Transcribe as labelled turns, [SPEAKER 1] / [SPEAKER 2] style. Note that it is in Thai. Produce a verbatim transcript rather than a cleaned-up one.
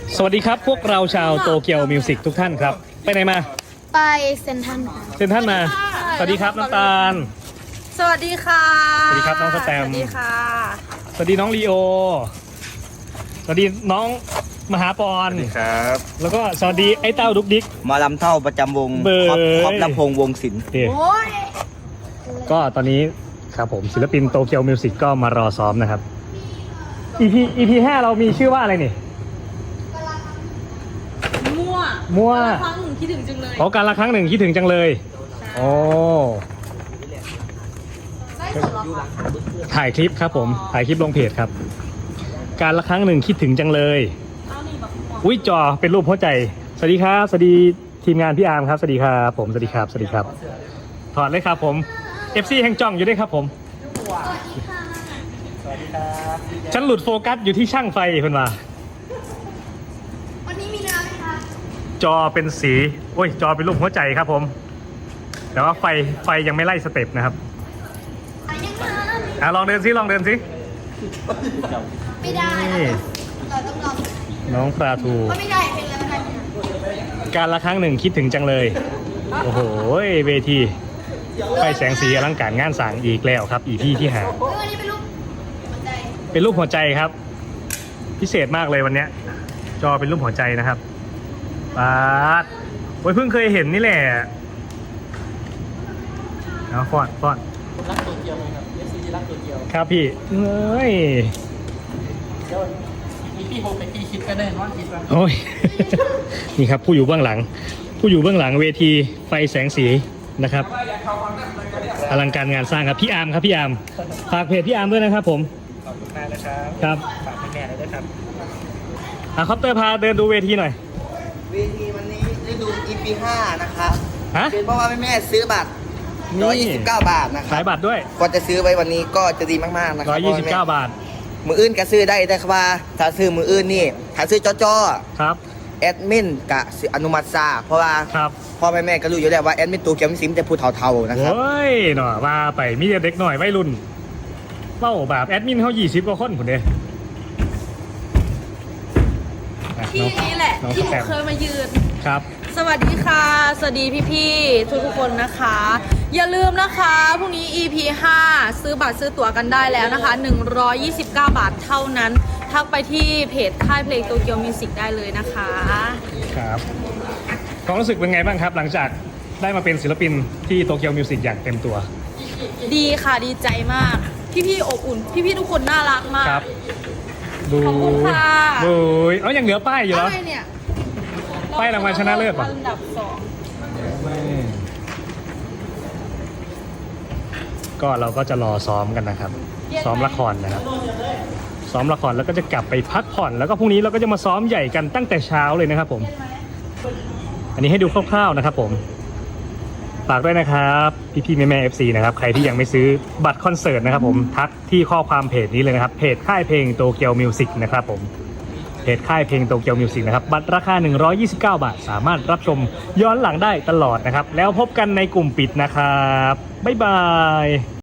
[SPEAKER 1] สวัสดีครับพวกเราชาวโตเกียวมิวสิกทุกท่านครับไปไหนมา
[SPEAKER 2] ไปเซนทัน
[SPEAKER 1] เซนทันมาสวัสดีครับน้ำตาล
[SPEAKER 3] สวัสดีค่ะ
[SPEAKER 1] สวัสดีครับน้องสแตม
[SPEAKER 3] สวัสดีค่ะ
[SPEAKER 1] สวัสดีน้องลีโอสวัสดีน้องมหาปอน
[SPEAKER 4] สวัสดีครับ
[SPEAKER 1] แล้วก็สวัสดีไอ้เต้าดุกดิก
[SPEAKER 4] มาลำเท่าประจำวง
[SPEAKER 1] เบย
[SPEAKER 4] ครอบลำพงวงศิลป์
[SPEAKER 1] ก็ตอนนี้ครับผมศิลปินโตเกียวมิวสิกก็มารอซ้อมนะครับ อี พี อี พี ห้าเรามีชื่อว่าอะไรนี่
[SPEAKER 3] มั่ว
[SPEAKER 1] มั่ว
[SPEAKER 3] ครั้งหนึ่งคิดถึงจังเลย
[SPEAKER 1] ขอการละครั้งหนึ่งคิดถึงจังเลยโอ้ถ่ายคลิปครับผมถ่ายคลิปลงเพจครับการละครั้งหนึ่งคิดถึงจังเลยอุ้ยจอเป็นรูปหัวใจสวัสดีครับสวัสดีทีมงานพี่อาร์มครับสวัสดีครับผมสวัสดีครับสวัสดีครับถอดเลยครับผม เอฟ ซี แห่งจ่องอยู่ด้วยครับผมสวัสดีครับฉันหลุดโฟกัสอยู่ที่ช่างไฟเพื่อนว่า
[SPEAKER 2] วันนี้มีน้ำไหมคะ
[SPEAKER 1] จอเป็นสีโอ้ยจอเป็นรูปหัวใจครับผมแต่ว่าไฟไฟยังไม่ไล่สเต็ปนะครับอ่ะลองเดินซิลองเดินซิ
[SPEAKER 2] ไม่ได้เราต้องลอง
[SPEAKER 1] น้องปลาทู
[SPEAKER 2] ไม่ได้เพลงแล้วกัน
[SPEAKER 1] การละครั้งหนึ่งคิดถึงจังเลยโอ้โหเวทีไฟแสงสีอลังการงานสร้างอีกแล้วครับอีพี่ที่หา
[SPEAKER 2] วันนี้เป็นรูปหัวใจ
[SPEAKER 1] เป็นรูปหัวใจครับพิเศษมากเลยวันนี้จอเป็นรูปหัวใจนะครับปาดโอ้ยเพิ่งเคยเห็นนี่แหละเอาฟอนฟอน
[SPEAKER 5] รักตัวเกียวไหมครับ เอฟ ซี รักตัวเกียว
[SPEAKER 1] ครับพี่เอ้ย
[SPEAKER 5] เดี๋ยวมีพี่โฮไปพี่คิดก็ได้นอนคิดว่า
[SPEAKER 1] โอ้ย นี่ครับผู้อยู่เบื้องหลังผู้อยู่เบื้องหลังเวทีไฟแสงสีนะครับอลังการงานสร้างครับพี่อาร์มครับพี่อาร์มฝากเพจพี่อาร์มด้วยนะครับผม
[SPEAKER 5] ขอบคุณมากนะครับ
[SPEAKER 1] ครับ
[SPEAKER 5] ฝากแม่เลยด้วยครับ
[SPEAKER 1] อ่ะคอปเตอร์พาเดินดูเวทีหน่อย
[SPEAKER 4] เวทีวันนี้ได้ดู อี พี ห้านะครับ
[SPEAKER 1] ฮะ
[SPEAKER 4] เป็นเพราะว่าแม่ซื้อบัตรหนึ่งร้อยยี่สิบเก้าบาทนะครับ
[SPEAKER 1] ขายบัตรด้วย
[SPEAKER 4] ก็จะซื้อไว้วันนี้ก็จะดีมากๆนะครั
[SPEAKER 1] หนึ่งร้อยยี่สิบเก้าบาท
[SPEAKER 4] มืออื่นก็ซื้อได้แต่ว่าถ้าซื้อมืออื่นนี่ถ้าซื้อจ้อ
[SPEAKER 1] ๆครับ
[SPEAKER 4] แอดมินกับอนุมัติซาเพราะว่าพ่อแม่แม่ก็รู้อยู่แล้วว่าแอดมินตัวเขียวมิซิมจะพูดเท่าๆนะครับ
[SPEAKER 1] เฮ้ยหน่อว่าไปมีเด็กหน่อยวัยรุ่นเล่าแบบแอดมินเขายี่สิบกว่าคนคนเดียว
[SPEAKER 3] ที่นี้แหละที่หนูเคยมายืน
[SPEAKER 1] ครับ
[SPEAKER 3] สวัสดีค่ะสวัสดีพี่ๆทุกๆคนนะคะอย่าลืมนะคะพรุ่งนี้ อี พี ห้าซื้อบัตรซื้อตั๋วกันได้แล้วนะคะหนึ่งร้อยยี่สิบเก้าบาทเท่านั้นทักไปที่เพจค่ายเพลงโตเกียวมิวสิกได้เลยนะคะ
[SPEAKER 1] ครับความรู้สึกเป็นไงบ้างครับหลังจากได้มาเป็นศิลปินที่โตเกียวมิวสิกอย่างเต็มตัว
[SPEAKER 3] ดีค่ะดีใจมากพี่ๆอบอุ่นพี่ๆทุกคนน่ารักมาก
[SPEAKER 1] ครับดู
[SPEAKER 3] ขอบคุณค่ะ
[SPEAKER 1] ดูเอายังเหลือป้ายอยู่เหรอ
[SPEAKER 3] อะไรเนี่ย
[SPEAKER 1] ป้ายรางวัลชนะเลิศป่ะ
[SPEAKER 3] อันดับสอง
[SPEAKER 1] ก็เราก็จะรอซ้อมกันนะครับซ้อมละครนะครับซ้อมละครแล้วก็จะกลับไปพักผ่อนแล้วก็พรุ่งนี้เราก็จะมาซ้อมใหญ่กันตั้งแต่เช้าเลยนะครับผมอันนี้ให้ดูคร่าวๆนะครับผมฝากด้วยนะครับพี่ๆแม่ๆ เอฟ ซี นะครับใครที่ยังไม่ซื้อบัตรคอนเสิร์ตนะครับผมทักที่ข้อความเพจนี้เลยนะครับเพจค่ายเพลงโตเกียวมิวสิกนะครับผมเพจค่ายเพลงโตเกียวมิวสิกนะครับบัตรราคาหนึ่งร้อยยี่สิบเก้าบาทสามารถรับชมย้อนหลังได้ตลอดนะครับแล้วพบกันในกลุ่มปิดนะครับบ๊ายบาย